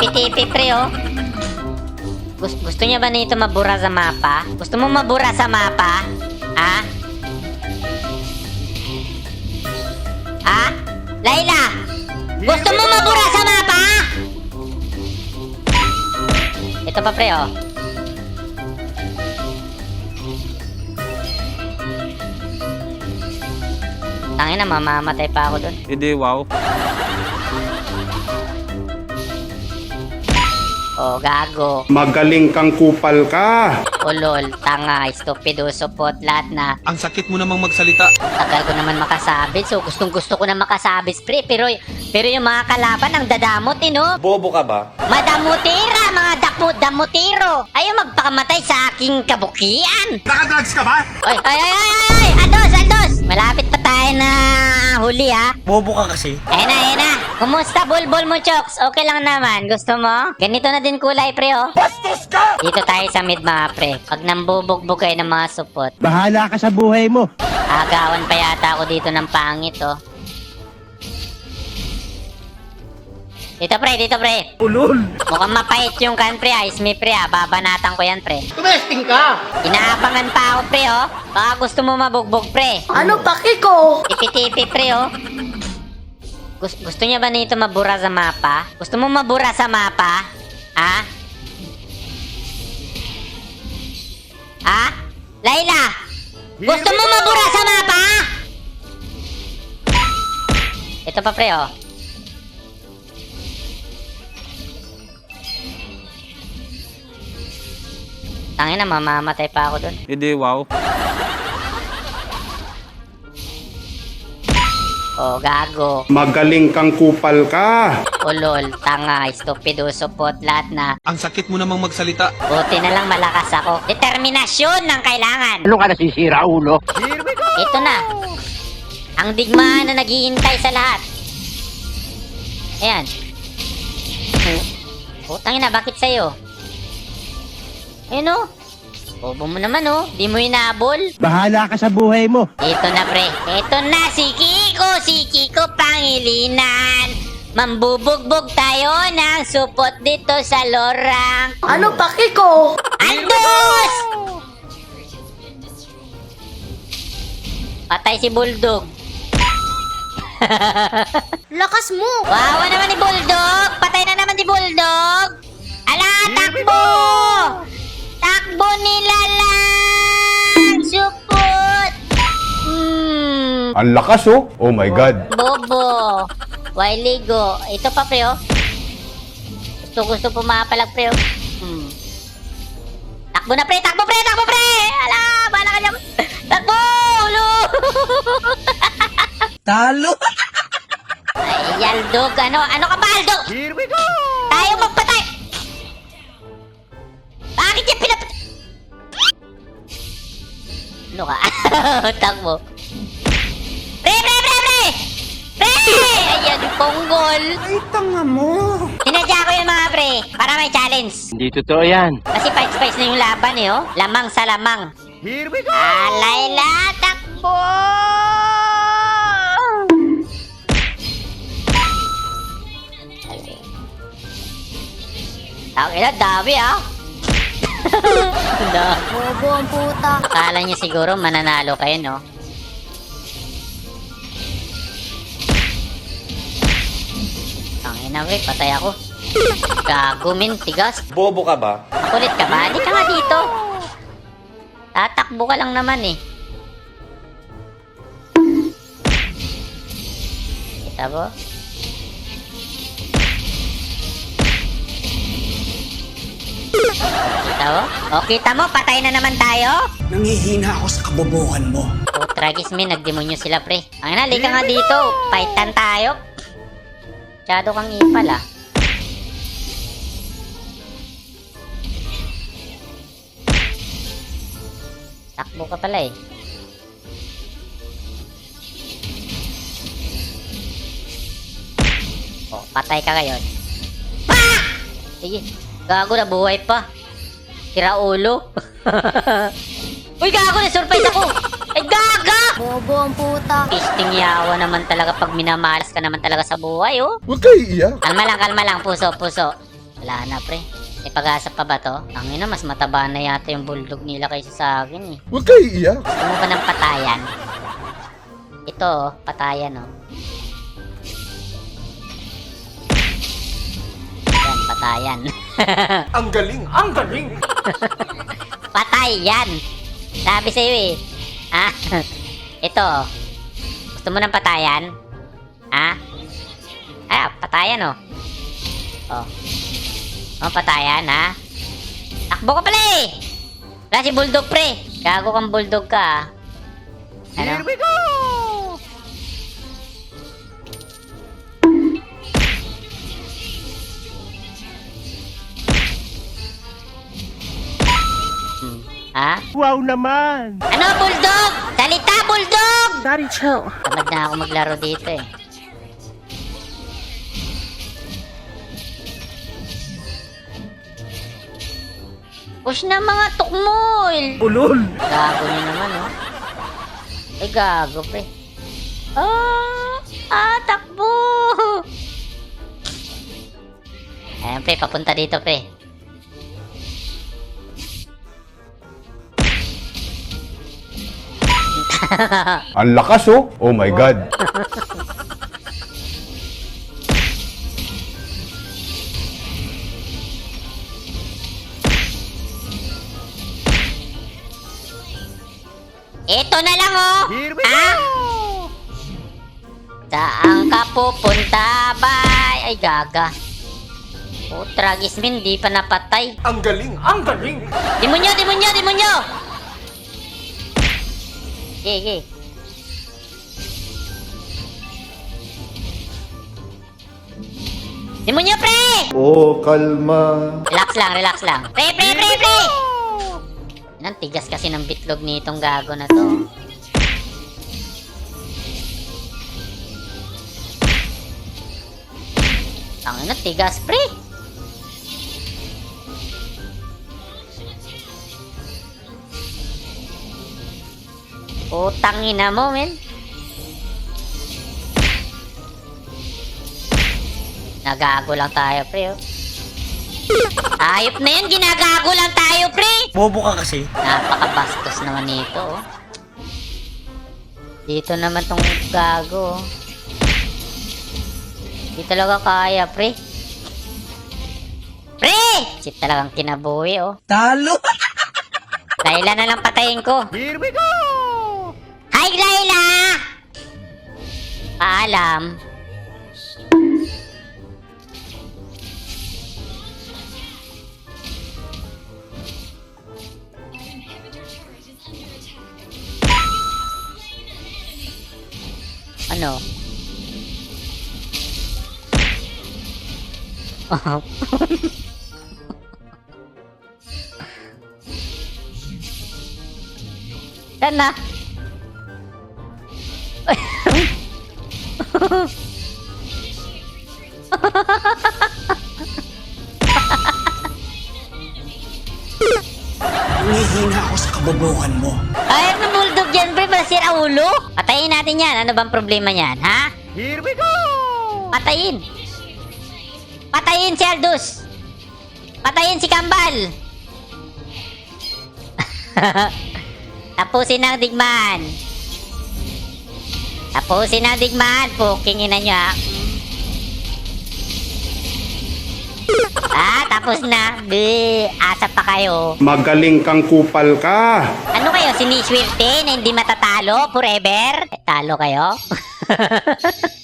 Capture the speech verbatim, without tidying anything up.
Tipi-tipi, pre, oh. Gusto, gusto niya ba nito mabura sa mapa? Gusto mo mabura sa mapa? Ha? Ha? Layla! Gusto mo mabura sa mapa? Ito pa, pre, oh. Tangina, mamamatay pa ako dun. Hindi, wow. Oh, gago. Magaling kang kupal ka. Ulol, tanga, stupido, supot, lahat na. Ang sakit mo namang magsalita. Tagal ko naman makasabit, so gustong gusto ko na makasabit, pre. Pero, pero yung mga kalaban, ang dadamot, eh, no? Bobo ka ba? Madamutira, mga dakmo-damutiro. Ayaw magpakamatay sa aking kabukian. Nakadrugs ka ba? Oy, ay, ay, ay, ay, ay, Aldos, Aldos. Malapit pa tayo na huli, ha? Bobo ka kasi. Ayun na, ayun na. Kumusta, bulbul mo, Chokes? Okay lang naman. Gusto mo? Ganito na din kulay, pre, oh. Bastos ka! Dito tayo sa mid, mga pre. Pag nambubugbog kayo ng mga supot, Bahala ka sa buhay mo. agawan pa yata ako dito ng pangit, oh. Dito, pre, dito, pre. Ulol. Mukhang mapait yung kan, pre, ice me, pre, ah. Babanatan ko yan, pre. Tumesting ka. Inaabangan pa ako, pre, oh. Baka gusto mo mabugbog, pre. Ano paki ko? Tipi-tipi, pre, oh. Gus gusto niya ba nito mabura sa mapa? Gusto mo mabura sa mapa? Ha? Ha? Layla! Gusto mo mabura sa mapa? Ito pa, pre, oh. Tangina, mamamatay pa ako dun. Hindi, wow. Oh, gago. Magaling kang kupal ka. Ulol, tanga, stupido, supot, lahat na. Ang sakit mo namang magsalita. Buti na lang malakas ako. Determinasyon ng kailangan. Ano ka nasisira, ulo? Ito na. Ang digmaan na naghihintay sa lahat. Ayan. Putang ina, bakit sa'yo? Ayun, oh. Bobo mo naman, oh. Di mo hinabol. Bahala ka sa buhay mo. Ito na, pre. Ito na si Kiko. Si Kiko Pangilinan. Mambubugbog tayo ng supot dito sa lorang. Ano paki ko? Andos! Patay si Bulldog. Lakas mo! Wawa naman ni Bulldog. Patay na naman si Bulldog. Ala, takbo! Takbo nila lang! Supot! Hmm. Ang lakas oh. Oh my God. Bobo. Wailigo. Ito pa, pre, oh. Gusto, gusto pumapalag, pre, oh. Hmm. Takbo na, pre! Takbo, pre! Takbo, pre! Ala! Bala ka niya. Takbo! Ulo! Talo. Ay, Yaldog. Ano? Ano ka ba, Aldog? Here we go. Tayo magpatay! Bakit niya pinap... Ano ka? Takbo. Pre, pre, pre, pre! Pre! Ayan, ponggol. Ay, tanga mo. Sinadya ko yung mga pre, para may challenge. Hindi totoo yan. Kasi fight-spice na yung laban eh, oh. Lamang sa lamang. Here we go. Alayla, takbo! Okay na, dami ah. Dami. Bobo ang puta. Akala niyo siguro mananalo kayo, no? Tangin na, pre, patay ako. Gago, min, tigas. Bobo ka ba? Makulit ka ba? Di ka nga dito. Tatakbo ka lang naman eh. Kita mo? Kita mo? O, kita mo? Patay na naman tayo? Nangihina ako sa kabobohan mo. O, tragis min, nagdemonyo sila, pre. Ang ina, lika nga dito. Fightan tayo. Masyado kang ipal, ah. Takbo ka pala, eh. O, patay ka ngayon. Ah! Sige, gago na buhay pa. Tira ulo. Uy, gago na surprise ako. Ay, gaga! Bobo ang puta. Pisting yawa naman talaga pag minamalas ka naman talaga sa buhay, oh. Huwag kayo iiyak. Kalma lang, kalma lang. Puso, puso. Wala na, pre. May pag-asa pa ba to? Ang ina, mas mataba na yata yung bulldog nila kaysa sa akin eh. Huwag kayo iiyak. Gusto mo ba ng patayan? Ito, oh, patayan, oh. Yan, patayan. Ang galing! Ang galing! Patay yan! Sabi sa'yo eh. Ah, ito, oh. Gusto mo ng patayan? Ha? Ah, patayan, oh. Oh. Oh, patayan, ha? Takbo ka pala eh! Wala si bulldog, pre. Gago kang bulldog ka, ah. Ano? Here we go! Hmm. Ha? Wow naman! Ano, bulldog? Salita, bulldog! Daddy, chill. Tamad na ako maglaro dito eh. Push na mga tukmol! Ulol! Gago niya naman, oh. Ay, gago, pre. Ah! Ah, takbo! Ayan, pre. Papunta dito, pre. Ang lakas oh. Oh my God. Ito na lang, oh! Here we Ha? go! Saan ka pupunta, bay? Ay, gaga. Oh, Tragismin, di pa napatay. Ang galing! Ang galing! Demonyo, demonyo, demonyo! Sige, sige. Demonyo, pre! Oh, kalma. Relax lang, relax lang. Pre, pre, pre, pre! Ang tigas kasi ng bitlog nitong gago na to. Ang ina, tigas, pre! Utang ina mo, men. Nagago lang tayo, pre, oh. Ayop na yun, ginagago lang tayo, pre! Bobo ka kasi. Napakabastos naman nito, oh. Dito naman tong gago, oh. Di talaga kaya, pre. Pre! Shit talagang kinabuhi, oh. Talo! Layla na lang patayin ko. Here we go! Hi, Layla! Paalam. Ano? Saan na? Humihina ako sa kabobohan mo. Ay, ano bulldog yan, pre? Masira ulo? Patayin natin yan. Ano bang problema niyan, ha? Here we go! Patayin. Patayin si Aldous. Patayin si Kambal. Tapusin ang digmaan. Tapusin ang digmaan. Puking ina nyo, ha? Ah, tapos na. Di, asa pa kayo. Magaling kang kupal ka. Ano kayo, siniswerte na hindi matatalo forever? Eh, talo kayo?